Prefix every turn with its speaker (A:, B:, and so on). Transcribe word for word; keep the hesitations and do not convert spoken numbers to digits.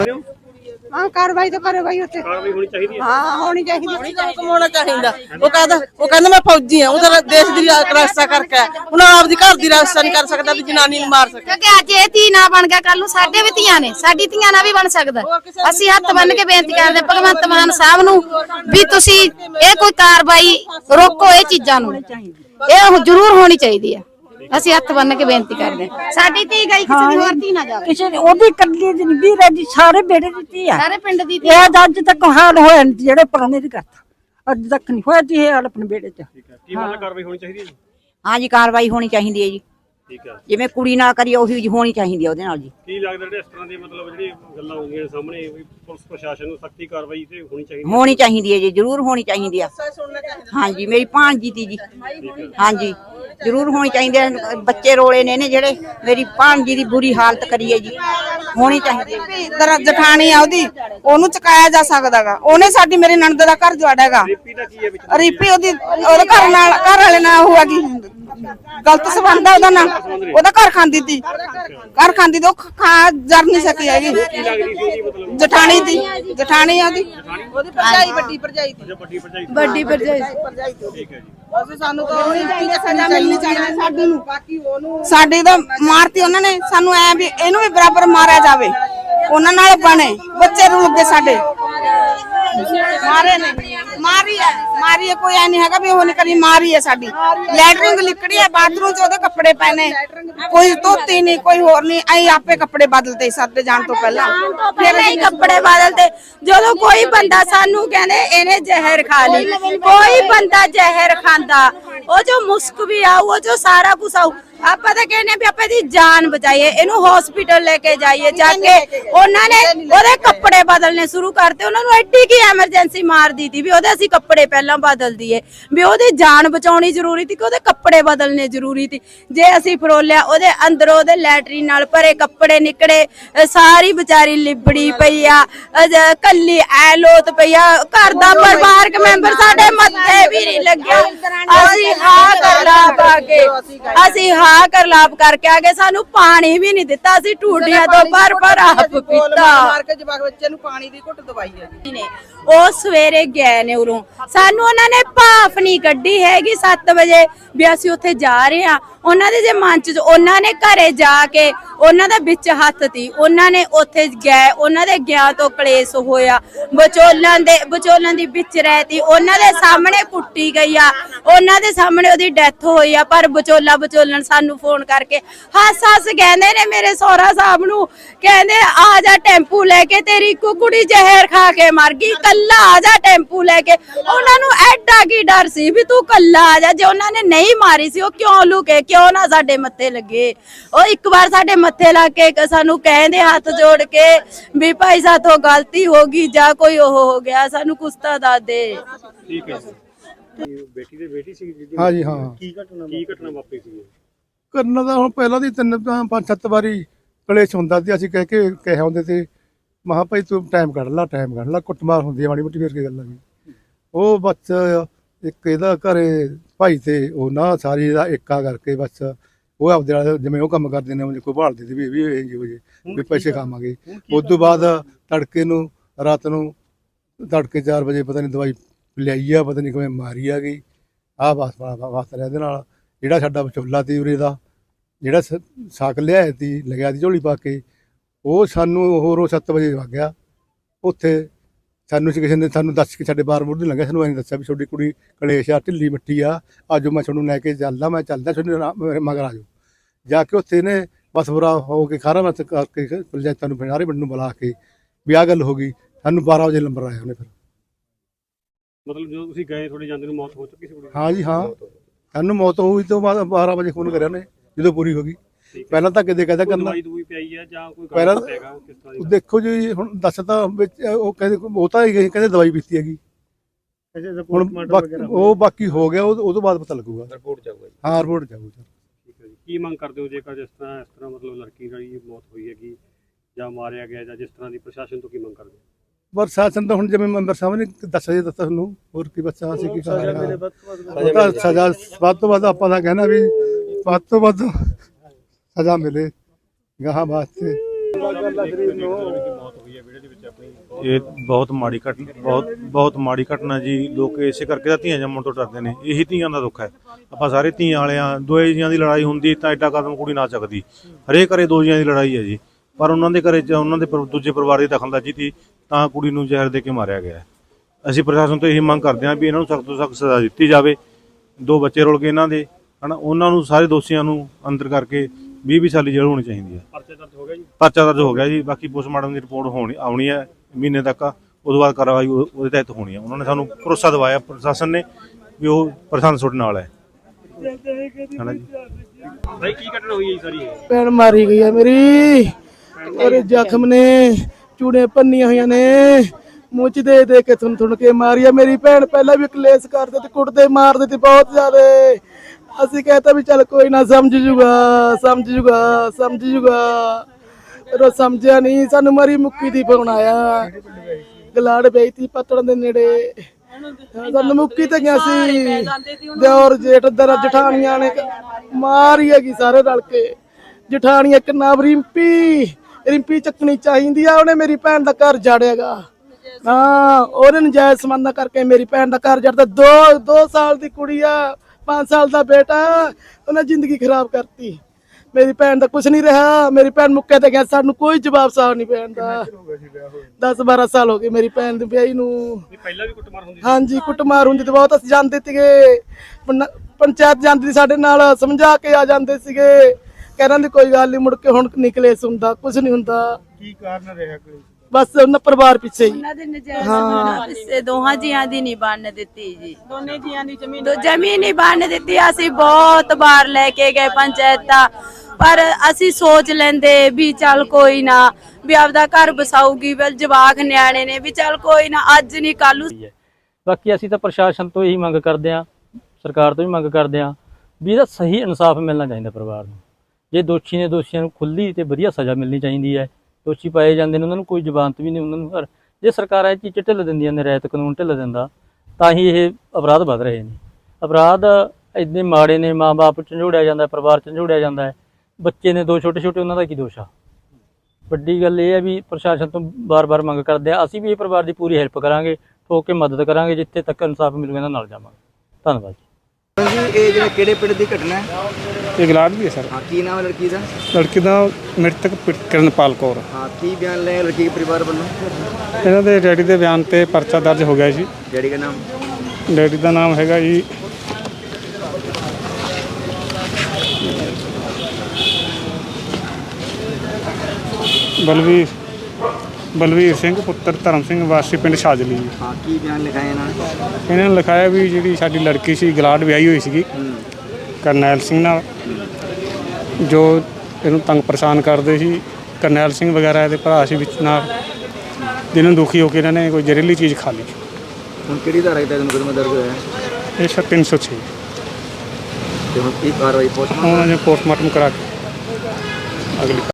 A: हाँ कार्रवाई तो कार्रवाई होती
B: कार्रवाई होनी चाहिए।
A: हाँ होनी चाहिए
C: कमाना चाहिए वो कहता वो कहता मैं फौजी हां उधर देश दी रक्षा करके उन्हां आपदी घर दी रक्षा नहीं कर सकदा ते जनानी नहीं मार सकदा
D: क्योंकि अज ये धी ना बन गया कल नूं साडे भी धीआं ने साडी धीआं ना भी बन सकदा ਅਸੀਂ ਹੱਥ ਬੰਨ ਕੇ ਬੇਨਤੀ ਕਰਦੇ ਭਗਵੰਤ ਮਾਨ ਸਾਹਿਬ ਨੂੰ ਵੀ ਤੁਸੀਂ ਇਹ ਕੋਈ ਕਾਰਵਾਈ ਰੋਕੋ ਇਹ ਚੀਜ਼ਾਂ ਨੂੰ ਇਹ ਜ਼ਰੂਰ ਹੋਣੀ ਚਾਹੀਦੀ ਹੈ ਅਸੀਂ ਹੱਥ ਬੰਨ ਕੇ ਬੇਨਤੀ ਕਰਦੇ ਸਾਡੀ ਧੀ ਗਈ ਕਿਸੇ ਦੀ ਹੋਰ ਧੀ ਨਾ ਜਾਵੇ
A: ਕਿਸੇ ਦੀ ਉਹਦੀ ਕੱਲੀ ਦੀ ਵੀ ਰਹੀ ਸਾਰੇ ਬੇੜੇ ਦਿੱਤੀ ਆ
D: ਸਾਰੇ ਪਿੰਡ ਦੀ ਧੀ
A: ਇਹ ਅੱਜ ਤੱਕ ਹਾਲ ਹੋਇਆ ਨਹੀਂ ਜਿਹੜੇ ਪਰੌਣੇ ਦੀ ਕਰਤਾ ਅੱਜ ਤੱਕ ਨਹੀਂ ਹੋਇਆ ਜੀ ਇਹ ਹਾਲ ਆਪਣੇ ਬੇੜੇ 'ਚ
B: ਠੀਕ ਹੈ ਕੀ ਮਤਲਬ ਕਾਰਵਾਈ ਹੋਣੀ ਚਾਹੀਦੀ ਹੈ ਜੀ?
E: हाँ जी कार्रवाई होनी चाहिए जी
B: ਠੀਕ ਹੈ
E: जिवें कुड़ी नाल करी उही होनी चाहिए ਉਹਦੇ ਨਾਲ जी
B: ਕੀ ਲੱਗਦਾ ਜਿਹੜੇ ਇਸ ਤਰ੍ਹਾਂ ਦੀ ਮਤਲਬ ਜਿਹੜੀ ਗੱਲਾਂ ਹੁੰਦੀਆਂ ਸਾਹਮਣੇ ਵੀ ਪੁਲਿਸ ਪ੍ਰਸ਼ਾਸਨ ਨੂੰ ਸਖਤੀ ਕਾਰਵਾਈ ਤੇ ਹੋਣੀ ਚਾਹੀਦੀ ਹੈ?
E: होनी चाहिए जी जरूर होनी चाहिए हाँ जी मेरी भांजी थी जी हाँ जी जरूर होनी चाहिए बच्चे रोले ने ने जेड़े मेरी भांजी दी बुरी हालत करी है जी होनी चाहिए
C: ਜਠਾਣੀ ਆ ਉਹਦੀ ਉਹਨੂੰ ਚੁਕਾਇਆ ਜਾ ਸਕਦਾਗਾ ਉਹਨੇ ਸਾਡੀ ਮੇਰੇ ਨਣਦ ਦਾ ਘਰ ਜਵਾੜਾਗਾ
B: ਰੀਪੀ ਦਾ ਕੀ ਹੈ ਵਿੱਚ
C: ਰੀਪੀ ਉਹਦੀ ਉਹਦੇ ਘਰ ਨਾਲ ਘਰ ਵਾਲੇ ਨਾਲ ਹੋਆ ਕੀ ਗਲਤ ਸੰਬੰਧ ਆ ਉਹਦਾ ਨਾਲ ਉਹਦਾ ਘਰ ਖਾਂਦੀ ਸੀ ਘਰ ਖਾਂਦੀ ਤੇ ਉਹ ਖਾ ਜਰ ਨਹੀਂ ਸਕੀ ਹੈਗੀ
B: ਕੀ ਲੱਗਦੀ ਸੀ ਉਹਦੀ ਮਤਲਬ
C: ਜਠਾਣੀ ਦੀ ਜਠਾਣੀ ਆ ਉਹਦੀ ਉਹਦੀ ਭਰਜਾਈ ਵੱਡੀ ਭਰਜਾਈ ਦੀ
B: ਜੋ ਵੱਡੀ ਭਰਜਾਈ
D: ਵੱਡੀ ਭਰਜਾਈ
B: ਠੀਕ ਹੈ ਜੀ
C: ਅਸੀਂ ਸਾਨੂੰ ਤਾਂ ਉਹਦੀ ਸਜ਼ਾ ਮਿਲਣੀ ਚਾਹੀਦੀ ਸਾਡੀ ਨੂੰ ਬਾਕੀ ਉਹਨੂੰ ਸਾਡੀ ਤਾਂ ਮਾਰਤੀ ਉਹਨਾਂ ਨੇ ਸਾਨੂੰ ਐ ਵੀ ਇਹਨੂੰ ਵੀ ਬਰਾਬਰ ਮਾਰਿਆ ਜਾਵੇ ਉਹਨਾਂ ਨਾਲ ਬਣੇ ਬੱਚੇ ਰੁਲ ਗਏ ਸਾਡੇ ਮਾਰੇ ਨੇ ਮਾਰੀ ਹੈ ਮਾਰੀ ਹੈ ਕੋਈ ਐ ਨਹੀਂ ਹੈਗਾ ਵੀ ਉਹ ਨਹੀਂ ਕਰੀ ਮਾਰੀ ਹੈ ਸਾਡੀ ਲੈਟਰਿੰਗ ਲਿਕੜੀ ਹੈ ਬਾਥਰੂਮ 'ਚ ਉਹਦੇ ਕੱਪੜੇ ਪੈਨੇ ਕੋਈ ਧੋਤੀ ਨਹੀਂ ਕੋਈ ਹੋਰ ਨਹੀਂ ਐ ਆਪੇ ਕੱਪੜੇ ਬਦਲਦੇ ਸਾਡੇ ਜਾਣ ਤੋਂ ਪਹਿਲਾਂ
D: ਫਿਰ ਹੀ ਕੱਪੜੇ ਬਦਲਦੇ ਜਦੋਂ ਕੋਈ ਬੰਦਾ ਸਾਨੂੰ ਕਹਿੰਦੇ ਇਹਨੇ ਜ਼ਹਿਰ ਖਾ ਲਈ ਕੋਈ ਬੰਦਾ ਜ਼ਹਿਰ ਖਾਂਦਾ ਉਹ ਜੋ ਮੁਸਕ ਵੀ ਆਊ ਉਹ ਜੋ ਸਾਰਾ ਕੁਝ ਆਊ ਆਪਾਂ ਤਾਂ ਕਹਿੰਦੇ ਵੀ ਆਪਾਂ ਦੀ ਜਾਨ ਬਚਾਈਏ ਇਹਨੂੰ ਹਸਪੀਟਲ ਲੈ ਕੇ ਜਾਈਏ ਜਾ ਕੇ ਉਹਨਾਂ ਨੇ ਉਹਦੇ ਕੱਪੜੇ ਬਦਲਨੇ ਸ਼ੁਰੂ ਕਰਤੇ ਉਹਨਾਂ ਨੂੰ ਐਡੀ ਕੀ ਐਮਰਜੈਂਸੀ ਮਾਰ ਦਿੱਤੀ ਵੀ ਉਹਦੇ ਅਸੀਂ ਕੱਪੜੇ ਪਹਿਲਾਂ ਬਦਲ ਦਈਏ ਵੀ ਉਹਦੀ ਜਾਨ ਬਚਾਉਣੀ ਜ਼ਰੂਰੀ ਸੀ ਕਿ ਉਹਦੇ ਕੱਪੜੇ ਬਦਲਨੇ ਜ਼ਰੂਰੀ ਸੀ ਜੇ ਅਸੀਂ ਫਰੋਲਿਆ ਉਹਦੇ ਅੰਦਰ ਉਹਦੇ ਲੈਟਰੀਨ ਨਾਲ ਭਰੇ ਕੱਪੜੇ ਨਿਕੜੇ ਸਾਰੀ ਵਿਚਾਰੀ ਲਿਬੜੀ ਪਈ ਆ ਕੱਲੀ ਐ ਲੋਤ ਪਈ ਆ ਘਰ ਦਾ ਪਰਿਵਾਰਕ ਮੈਂਬਰ ਸਾਡੇ ਮੱਥੇ ਵੀ ਨਹੀਂ ਲੱਗਿਆ ਅਸੀਂ ਹਾਂ ਕਰ ਲਾਪ ਆ ਕੇ ਅਸੀਂ ਹਾਂ ਕਰ ਲਾਪ ਕਰਕੇ ਆ ਗਏ ਸਾਨੂੰ ਪਾਣੀ ਵੀ ਨਹੀਂ ਦਿੱਤਾ ਅਸੀਂ ਟੂਟੀਆਂ ਤੋਂ ਭਰ ਭਰ ਆਪ ਪੀਤਾ
C: ਮਾਰ ਕੇ ਜਵਾਕ ਬੱਚੇ ਨੂੰ ਪਾਣੀ ਦੀ ਘੁੱਟ ਦਵਾਈ ਹੈ
D: ਨੇ ਉਹ ਸਵੇਰੇ ਗਏ ਨੇ ਉਰੋਂ ਸਾਨੂੰ ਉਹਨਾਂ ਨੇ ਭਾਫ ਨਹੀਂ ਕੱਢੀ ਹੈਗੀ ਸੱਤ ਵਜੇ ਵੀ ਅਸੀਂ ਉੱਥੇ ਜਾ ਰਹੇ ਆ ਉਹਨਾਂ ਦੇ ਜੇ ਮਨ ਚ ਉਹਨਾਂ ਨੇ ਘਰੇ ਜਾ ਕੇ ਉਹਨਾਂ ਦਾ ਵਿੱਚ ਹੱਥ ਤੀ ਉਹਨਾਂ ਨੇ ਉੱਥੇ ਗਏ ਉਹਨਾਂ ਦੇ ਗਿਆ ਤੋਂ ਕਲੇਸ਼ ਹੋਇਆ ਵਿਚੋਲਣ ਦੇ ਵਿਚੋਲਣ ਦੀ ਵਿੱਚ ਰਹਿਤੀ ਉਹਨਾਂ ਦੇ ਸਾਹਮਣੇ ਕੁੱਟੀ ਗਈ ਆ ਉਹਨਾਂ ਦੇ ਸਾਹਮਣੇ ਉਹਦੀ ਡੈਥ ਹੋਈ ਆ ਪਰ ਵਿਚੋਲਾ ਵਿਚੋਲਣ ਸਾਨੂੰ ਫੋਨ ਕਰਕੇ ਹੱਸ ਹੱਸ ਕਹਿੰਦੇ ਨੇ ਮੇਰੇ ਸਹੁਰਾ ਸਾਹਿਬ ਨੂੰ ਕਹਿੰਦੇ ਆ ਜਾ ਟੈਂਪੂ ਲੈ ਕੇ ਤੇਰੀ ਕੁੜੀ ਜ਼ਹਿਰ ਖਾ ਕੇ ਮਰ ਗਈ ਕੱਲਾ ਆ ਜਾ ਟੈਂਪੂ ਲੈ ਕੇ ਉਹਨਾਂ ਨੂੰ ਐਡਾ ਕੀ ਡਰ ਸੀ ਵੀ ਤੂੰ ਕੱਲਾ ਆ ਜਾ ਜੇ ਉਹਨਾਂ ਨੇ ਨਹੀਂ ਮਾਰੀ ਸੀ ਉਹ ਕਿਉਂ ਲੁਕੇ ਕਿਉਂ ਨਾ ਸਾਡੇ ਮੱਥੇ ਲੱਗੇ ਉਹ ਇੱਕ ਵਾਰ ਸਾਡੇ ਮੱਥੇ ਲਾ ਕੇ ਸਾਨੂੰ ਕਹਿੰਦੇ ਹੱਥ ਜੋੜ ਕੇ ਵੀ ਭਾਈ ਸਾਥੋਂ ਗਲਤੀ ਹੋ ਗਈ ਜਾਂ ਕੋਈ ਉਹ ਹੋ ਗਿਆ ਸਾਨੂੰ ਕੁਛ ਤਾਂ ਦੱਸ ਦੇ
B: ਠੀਕ ਹੈ ਬੇਟੀ ਦੇ ਬੇਟੀ ਸੀ ਜੀ
F: हाँ जी हाँ
B: ਕੀ ਘਟਨਾ ਕੀ ਘਟਨਾ ਵਾਪਰੀ ਸੀ
F: ਕਰਨਾ ਤਾਂ ਹੁਣ ਪਹਿਲਾਂ ਦੀ ਤਿੰਨ ਤਾਂ ਪੰਜ ਸੱਤ ਵਾਰੀ ਕਲੇਸ਼ ਹੁੰਦਾ ਸੀ ਅਸੀਂ ਕਹਿ ਕੇ ਕਹਿ ਹੁੰਦੇ ਤੇ ਮਹਾ ਭਾਈ ਤੂੰ ਟਾਈਮ ਕੱਢ ਲਾ ਟਾਈਮ ਕੱਢ ਲਾ ਕੁੱਟਮਾਰ ਹੁੰਦੀ ਹੈ ਮਾੜੀ ਮੋਟੀ ਫਿਰ ਕੀ ਗੱਲ ਆ ਗਈ ਉਹ ਬਸ ਇੱਕ ਇਹਦਾ ਘਰੇ ਭਾਈ ਤੇ ਉਹ ਨਾ ਸਾਰੀ ਦਾ ਏਕਾ ਕਰਕੇ ਬਸ ਉਹ ਆਪਦੇ ਨਾਲ ਜਿਵੇਂ ਉਹ ਕੰਮ ਕਰਦੇ ਨੇ ਕੋਈ ਭਾਲਦੇ ਸੀ ਵੀ ਇਹ ਵੀ ਇਹ ਹੋ ਜੇ ਵੀ ਪੈਸੇ ਖਾਵਾਂਗੇ ਉਸ ਤੋਂ ਬਾਅਦ ਤੜਕੇ ਨੂੰ ਰਾਤ ਨੂੰ ਤੜਕੇ ਚਾਰ ਵਜੇ ਪਤਾ ਨਹੀਂ ਦਵਾਈ ਲਿਆਈ ਆ ਪਤਾ ਨਹੀਂ ਕਿਵੇਂ ਮਾਰੀ ਆ ਗਈ ਆਹ ਬਸ ਵਾਸਤਾ ਇਹਦੇ ਨਾਲ ਜਿਹੜਾ ਸਾਡਾ ਵਿਚੋਲਾ ਤੀ ਉਰੇ ਦਾ ਜਿਹੜਾ ਸਾਕ ਲਿਆਇਆ ਤੀ ਲਗਿਆ ਤੀ ਝੋਲੀ ਪਾ ਕੇ ਉਹ ਸਾਨੂੰ ਹੋਰ ਉਹ ਸੱਤ ਵਜੇ ਵਗ ਗਿਆ ਉੱਥੇ ਸਾਨੂੰ ਕਿਸੇ ਨੇ ਸਾਨੂੰ ਦੱਸ ਕੇ ਸਾਡੇ ਬਾਰ ਮੁੱਢ ਲੱਗਿਆ ਸਾਨੂੰ ਐਂ ਦੱਸਿਆ ਵੀ ਤੁਹਾਡੀ ਕੁੜੀ ਕਲੇਸ਼ ਆ ਢਿੱਲੀ ਮਿੱਟੀ ਆ ਅੱਜ ਮੈਂ ਤੁਹਾਨੂੰ ਲੈ ਕੇ ਚੱਲਦਾ ਮੈਂ ਚੱਲਦਾ ਤੁਹਾਨੂੰ ਮਗਰ ਆ ਜਾਓ ਜਾ ਕੇ ਉੱਥੇ ਨੇ ਬਸ ਬੁਰਾ ਹੋ ਕੇ ਖਾਰਾ ਮਤ ਕਰਕੇ ਪੰਚਾਇਤਾਂ ਨੂੰ ਸਾਰੇ ਪਿੰਡ ਨੂੰ ਬੁਲਾ ਕੇ ਵੀ ਆਹ ਗੱਲ ਹੋ ਗਈ ਸਾਨੂੰ ਬਾਰਾਂ ਵਜੇ ਨੰਬਰ ਆਇਆ ਉਹਨੇ ਫਿਰ
B: ਮਤਲਬ ਜਦੋਂ ਤੁਸੀਂ ਗਏ ਤੁਹਾਡੇ ਜਾਂਦੇ ਨੂੰ ਮੌਤ ਹੋ ਚੁੱਕੀ ਸੀ ਕੁੜੀ ਦੀ?
F: ਹਾਂ ਜੀ ਹਾਂ ਸਾਨੂੰ ਮੌਤ ਹੋਈ ਤੋਂ ਬਾਅਦ ਬਾਰਾਂ ਵਜੇ ਫੋਨ ਕਰਿਆ ਉਹਨੇ ਜਦੋਂ ਪੂਰੀ ਹੋ ਗਈ ਪਹਿਲਾਂ ਤਾਂ ਕਿਤੇ ਕਹਿੰਦਾ ਕਰਨਾ
B: ਦਵਾਈ ਦੂਈ ਪਿਆਈ ਆ ਜਾਂ ਕੋਈ
F: ਪਹਿਲਾਂ
B: ਕੰਮ ਹੈਗਾ ਕਿਸ ਤਰ੍ਹਾਂ ਦੀ
F: ਦੇਖੋ ਜੀ ਹੁਣ ਦੱਸ ਤਾਂ ਵਿੱਚ ਉਹ ਕਹਿੰਦੇ ਉਹ ਤਾਂ ਹੀ ਕਹਿੰਦੇ ਦਵਾਈ ਪੀਤੀ ਹੈਗੀ ਹੁਣ ਬਾਕੀ ਉਹ ਬਾਕੀ ਹੋ ਗਿਆ ਉਹ ਉਹ ਤੋਂ ਬਾਅਦ ਪਤਾ ਲੱਗੂਗਾ ਰਿਪੋਰਟ ਜਾਊਗਾ ਹਾਂ ਰਿਪੋਰਟ ਜਾਊਗਾ
B: ਠੀਕ ਹੈ ਜੀ ਕੀ ਮੰਗ ਕਰਦੇ ਹੋ ਜੇਕਰ ਜਿਸ ਤਰ੍ਹਾਂ ਇਸ ਤਰ੍ਹਾਂ ਮਤਲਬ ਲੜਕੀ ਦੀ ਮੌਤ ਹੋਈ ਹੈਗੀ ਜਾਂ ਮਾਰਿਆ ਗਿਆ ਜਾਂ ਜਿਸ ਤਰ੍ਹਾਂ ਦੀ ਪ੍ਰਸ਼ਾਸਨ ਤੋਂ ਕੀ ਮੰਗ ਕਰਦੇ ਹੋ
F: ਪ੍ਰਸ਼ਾਸਨ ਤਾਂ ਹੁਣ ਜਿਵੇਂ ਮੈਂਬਰ ਸਾਹਿਬ ਨੇ ਦੱਸਿਆ ਜੀ ਦੱਸਿਆ ਤੁਹਾਨੂੰ ਹੋਰ ਕੀ ਬੱਚਾ ਅਸੀਂ ਕੀ ਕਰ ਤਾਂ ਸਜ਼ਾ ਵੱਧ ਤੋਂ ਵੱਧ ਆਪਾਂ ਤਾਂ ਕਹਿਣਾ ਵੀ ਵੱਧ ਤੋਂ ਵੱਧ ਸਜ਼ਾ ਮਿਲੇ ਗਾਹਾਂ ਵਾਸਤੇ
B: ਮੌਤ ਹੋਈ ਹੈ
G: ਇਹ ਬਹੁਤ ਮਾੜੀ ਘਟਨਾ ਬਹੁਤ ਬਹੁਤ ਮਾੜੀ ਘਟਨਾ ਜੀ। ਲੋਕ ਇਸੇ ਕਰਕੇ ਤਾਂ ਧੀਆਂ ਜੰਮਣ ਤੋਂ ਡਰਦੇ ਨੇ, ਇਹੀ ਧੀਆਂ ਦਾ ਦੁੱਖ ਹੈ। ਆਪਾਂ ਸਾਰੇ ਧੀਆਂ ਵਾਲੇ ਆ, ਦੋਏ ਜੀਆਂ ਦੀ ਲੜਾਈ ਹੁੰਦੀ ਤਾਂ ਐਡਾ ਕਦਮ ਕੁੜੀ ਨਾ ਚੱਕਦੀ। ਹਰੇਕ ਘਰੇ ਦੋ ਜੀਆਂ ਦੀ ਲੜਾਈ ਹੈ ਜੀ, ਪਰ ਉਹਨਾਂ ਦੇ ਘਰੇ 'ਚ ਉਹਨਾਂ ਦੇ ਪਰ- ਦੂਜੇ ਪਰਿਵਾਰ ਦੀ ਦਖਲਅੰਦਾਜ਼ੀ ਤੀ ਤਾਂ ਕੁੜੀ ਨੂੰ ਜ਼ਹਿਰ ਦੇ ਕੇ ਮਾਰਿਆ ਗਿਆ। ਅਸੀਂ ਪ੍ਰਸ਼ਾਸਨ ਤੋਂ ਇਹੀ ਮੰਗ ਕਰਦੇ ਹਾਂ ਵੀ ਇਹਨਾਂ ਨੂੰ ਸਖਤ ਤੋਂ ਸਖਤ ਸਜ਼ਾ ਦਿੱਤੀ ਜਾਵੇ। ਦੋ ਬੱਚੇ ਰੁਲ ਗਏ ਇਹਨਾਂ ਦੇ, ਹਨਾ, ਉਹਨਾਂ ਨੂੰ ਸਾਰੇ ਦੋਸ਼ੀਆਂ ਨੂੰ ਅੰਦਰ ਕਰਕੇ ਵੀਹ ਵੀਹ ਸਾਲੀ ਜੇਲ੍ਹ ਹੋਣੀ ਚਾਹੀਦੀ ਹੈ।
B: ਪਰਚਾ ਦਰਜ ਹੋ ਗਿਆ ਜੀ।
G: ਪਰਚਾ ਦਰਜ ਹੋ ਗਿਆ ਜੀ। ਬਾਕੀ ਪੋਸਟਮਾਰਟਮ ਦੀ ਰਿਪੋਰਟ ਹੋਣੀ ਆਉਣੀ ਹੈ ਮਹੀਨੇ ਤੱਕ, ਉਦੋਂ ਬਾਅਦ ਕਾਰਵਾਈ ਉਹ- ਉਹਦੇ ਤਹਿਤ ਹੋਣੀ ਹੈ। ਉਹਨਾਂ ਨੇ ਸਾਨੂੰ ਭਰੋਸਾ ਦਿਵਾਇਆ ਪ੍ਰਸ਼ਾਸਨ ਨੇ ਵੀ ਉਹ ਪ੍ਰਸ਼ਾਸਨ ਤੁਹਾਡੇ ਨਾਲ ਹੈ, ਹਨਾ ਜੀ।
B: ਭਾਈ ਕੀ ਘਟਨਾ ਹੋਈ ਹੈ ਜੀ ਸਾਰੀ ਇਹ?
H: ਭੈਣ ਮਾਰੀ ਗਈ ਹੈ ਮੇਰੀ, ਔਰ ਜ਼ਖਮ ਨੇ, ਚੂੜੇ ਪੰਨੀਆਂ ਹੋਈਆਂ ਨੇ, ਮੂੰਹ ਚ ਦੇ ਦੇ ਕੇ ਥੁਣ ਥੁਣ ਕੇ ਮਾਰੀ ਹੈ ਮੇਰੀ ਭੈਣ। ਪਹਿਲਾਂ ਵੀ ਕਲੇਸ਼ ਕਰਦੇ ਤੇ ਕੁੱਟਦੇ ਮਾਰਦੇ ਤੇ ਬਹੁਤ ਜ਼ਿਆਦਾ। ਅਸੀਂ ਕਹਤਾ ਵੀ ਚੱਲ ਕੋਈ ਨਾ, ਸਮਝ ਜੂਗਾ ਸਮਝ ਜੂਗਾ ਸਮਝ ਜੂਗਾ, ਪਰ ਉਹ ਸਮਝਿਆ ਨਹੀਂ। ਸਾਨੂੰ ਮਰੀ ਮੁੱਕੀ ਦੀ ਫੋਨ ਆਇਆ, ਗਲਾੜ ਬੇਇਤੀ ਪਤੜਨ ਦੇ ਨੇੜੇ, ਸਾਨੂੰ ਮੁੱਕੀ ਤੇ ਗਿਆ ਸੀ। ਦਿਓਰ ਜੇਠ ਦਰ ਜਠਾਣੀਆਂ ਨੇ ਮਾਰੀ ਹੈਗੀ ਸਾਰੇ ਰਲ ਕੇ। ਜਠਾਣੀ ਇੱਕ ਨਾਮ ਰਿੰਪੀ, ਰਿੰਪੀ ਚੱਕਣੀ ਚਾਹੀਦੀ ਆ। ਉਹਨੇ ਮੇਰੀ ਭੈਣ ਦਾ ਘਰ ਜਾੜਿਆਗਾ। ਹਾਂ, ਉਹਨੇ ਨਜਾਇਜ਼ ਸੰਬੰਧਾਂ ਕਰਕੇ ਮੇਰੀ ਭੈਣ ਦਾ ਘਰ ਜੜਦਾ। ਦੋ ਦੋ ਸਾਲ ਦੀ ਕੁੜੀ ਆ, ਪੰਜ ਸਾਲ ਦਾ ਬੇਟਾ, ਉਹਨੇ ਜ਼ਿੰਦਗੀ ਖਰਾਬ ਕਰਤੀ। ਮੇਰੀ ਭੈਣ ਦਾ ਕੁਝ ਨਹੀਂ ਰਿਹਾ। ਮੇਰੀ ਭੈਣ ਮੁੱਕੇ ਤੇ ਗਿਆ, ਸਾਨੂੰ ਕੋਈ ਜਵਾਬ ਸਾਹ ਨਹੀਂ ਭੈਣ ਦਾ। ਦਸ ਬਾਰਾਂ ਸਾਲ ਹੋ ਗਏ ਮੇਰੀ ਭੈਣ ਦੀ ਵਿਆਹੀ ਨੂੰ।
B: ਪਹਿਲਾਂ ਵੀ ਕੁੱਟਮਾਰ ਹੁੰਦੀ ਸੀ?
H: ਹਾਂਜੀ, ਕੁੱਟਮਾਰ ਹੁੰਦੀ ਤੇ ਬਹੁਤ। ਅਸੀਂ ਜਾਂਦੇ ਸੀਗੇ, ਪੰ- ਪੰਚਾਇਤ ਜਾਂਦੀ ਸੀ ਸਾਡੇ ਨਾਲ, ਸਮਝਾ ਕੇ ਆ ਜਾਂਦੇ ਸੀਗੇ। ਕਹਿੰਦੇ ਦੀ ਕੋਈ ਗੱਲ ਨਹੀਂ, ਮੁੜ ਕੇ ਹੁਣ ਨਿਕਲੇ ਹੁੰਦਾ, ਕੁਝ ਨਹੀਂ ਹੁੰਦਾ।
F: ਕੀ ਕਾਰਨ ਰਿਹਾ ਕੋਈ?
H: ਬਸ ਉਹਨਾਂ ਪਰਿਵਾਰ ਪਿੱਛੇ ਹੀ।
D: ਉਹਨਾਂ ਦੇ ਨਜਾਇਜ਼ ਸੰਬੰਧਾਂ ਪਿੱਛੇ ਦੋਹਾਂ ਜੀਆਂ ਦੀ ਨਹੀਂ ਬਣਨ ਦਿੱਤੀ ਜੀ। ਦੋਨੇ ਜੀਆਂ ਦੀ ਜ਼ਮੀਨ ਜ਼ਮੀਨ ਨਹੀਂ ਬਣਨ ਦਿੱਤੀ। ਅਸੀਂ ਬਹੁਤ ਵਾਰ ਲੈ ਕੇ ਗਏ ਪੰਚਾਇਤਾਂ, ਪਰ ਅਸੀਂ ਸੋਚ ਲੈਂਦੇ ਵੀ ਚੱਲ ਕੋਈ ਨਾ, ਵੀ ਆਪਦਾ ਘਰ ਬਸਾਊਗੀ, ਵੀ ਜਵਾਕ ਨਿਆਣੇ ਨੇ, ਵੀ ਚੱਲ ਕੋਈ ਨਾ, ਅੱਜ ਨਹੀਂ ਕੱਲ ਨੂੰ।
I: ਬਾਕੀ ਅਸੀਂ ਤਾਂ ਪ੍ਰਸ਼ਾਸਨ ਤੋਂ ਇਹੀ ਮੰਗ ਕਰਦੇ ਹਾਂ, ਸਰਕਾਰ ਤੋਂ ਵੀ ਮੰਗ ਕਰਦੇ ਹਾਂ ਵੀ ਇਹਦਾ ਸਹੀ ਇਨਸਾਫ ਮਿਲਣਾ ਚਾਹੀਦਾ ਪਰਿਵਾਰ ਨੂੰ। ਜੇ ਦੋਸ਼ੀ ਨੇ, ਦੋਸ਼ੀਆਂ ਨੂੰ ਖੁੱਲ੍ਹੀ ਤੇ ਵਧੀਆ ਸਜ਼ਾ ਮਿਲਣੀ ਚਾਹੀਦੀ ਹੈ। ਦੋਸ਼ੀ ਪਾਏ ਜਾਂਦੇ ਨੇ, ਉਹਨਾਂ ਨੂੰ ਕੋਈ ਜ਼ਮਾਨਤ ਵੀ ਨਹੀਂ ਉਹਨਾਂ ਨੂੰ। ਪਰ ਜੇ ਸਰਕਾਰਾਂ ਇਹ ਚੀਜ਼ ਢਿੱਲ ਦਿੰਦੀਆਂ ਨੇ, ਰਿਆਇਤ ਕਾਨੂੰਨ ਢਿੱਲ ਦਿੰਦਾ, ਤਾਂ ਹੀ ਇਹ ਅਪਰਾਧ ਵੱਧ ਰਹੇ ਨੇ। ਅਪਰਾਧ ਇੰਨੇ ਮਾੜੇ ਨੇ, ਮਾਂ ਬਾਪ ਝੰਜੋੜਿਆ ਜਾਂਦਾ, ਪਰਿਵਾਰ ਝੰਜੋੜਿਆ ਜਾਂਦਾ ਹੈ। ਬੱਚੇ ਨੇ ਦੋ ਛੋਟੇ ਛੋਟੇ, ਉਹਨਾਂ ਦਾ ਕੀ ਦੋਸ਼ ਆ? ਵੱਡੀ ਗੱਲ ਇਹ ਹੈ ਵੀ ਪ੍ਰਸ਼ਾਸਨ ਤੋਂ ਬਾਰ-ਬਾਰ ਮੰਗ ਕਰਦੇ ਆ। ਅਸੀਂ ਵੀ ਇਹ ਪਰਿਵਾਰ ਦੀ ਪੂਰੀ ਹੈਲਪ ਕਰਾਂਗੇ, ਠੋਕ ਕੇ ਮਦਦ ਕਰਾਂਗੇ, ਜਿੱਥੇ ਤੱਕ ਇਨਸਾਫ ਮਿਲੂਗਾ ਇਹਨਾਂ ਨਾਲ ਜਾਵਾਂਗੇ। ਧੰਨਵਾਦ ਜੀ।
J: ਜੀ ਇਹ ਜਿਹੜਾ ਕਿਹੜੇ ਪਿੰਡ ਦੀ ਘਟਨਾ ਹੈ?
K: ਇਹ ਗਲਾਡ ਵੀ ਹੈ ਸਰ।
J: ਹਾਂ, ਕੀ ਨਾਮ ਹੈ ਲੜਕੀ ਦਾ?
K: ਲੜਕੀ ਦਾ ਮ੍ਰਿਤਕ ਪ- ਕਿਰਨਪਾਲ ਕੌਰ।
J: ਹਾਂ, ਕੀ ਬਿਆਨ ਲਿਆ ਲੜਕੀ ਦੇ ਪਰਿਵਾਰ ਵੱਲੋਂ?
K: ਇਹਨਾਂ ਦੇ ਡੈਡੀ ਦੇ ਬਿਆਨ ਤੇ ਪਰਚਾ ਦਰਜ ਹੋ ਗਿਆ ਜੀ।
J: ਡੈਡੀ ਦਾ ਨਾਮ?
K: ਡੈਡੀ ਦਾ ਨਾਮ ਹੈਗਾ ਜੀ ਬਲਵੀਰ ਬਲਵੀਰ ਸਿੰਘ ਪੁੱਤਰ ਧਰਮ ਸਿੰਘ ਵਾਸੀ ਪਿੰਡ ਸ਼ਾਜਲੀ ਜੀ।
J: ਹਾਂ, ਕੀ ਬਿਆਨ ਲਿਖਾਇਆ ਇਹਨਾਂ ਨੇ?
K: ਇਹਨਾਂ ਨੇ ਲਿਖਾਇਆ ਵੀ ਜਿਹੜੀ ਸਾਡੀ ਲੜਕੀ ਸੀ ਗਲਾਡ ਵਿਆਹੀ ਹੋਈ ਸੀਗੀ ਕਰਨੈਲ ਸਿੰਘ ਨਾਲ, ਜੋ ਇਹਨੂੰ ਤੰਗ ਪਰੇਸ਼ਾਨ ਕਰਦੇ ਸੀ। ਕਰਨੈਲ ਸਿੰਘ ਵਗੈਰਾ ਇਹਦੇ ਭਰਾ ਸੀ ਵਿੱਚ ਨਾਲ, ਜਿਹਨੂੰ ਦੁਖੀ ਹੋ ਕੇ ਇਹਨਾਂ ਨੇ ਕੋਈ ਜ਼ਹਿਰੀਲੀ ਚੀਜ਼ ਖਾ ਲਈ।
J: ਹੁਣ ਕਿਹੜੀ ਧਾਰਾ ਤਹਿਤ ਮੁਕੱਦਮਾ ਦਰਜ ਹੋਇਆ ਹੈ?
K: ਇਹ ਸਰ ਤਿੰਨ ਸੌ ਛੇ।
J: ਤੇ ਹੁਣ ਕੀ ਕਾਰਵਾਈ ਪੋਸਟਮਾਰਟਮ?
K: ਉਹਨਾਂ ਨੇ ਪੋਸਟਮਾਰਟਮ ਕਰਾ ਕੇ ਅਗਲੀ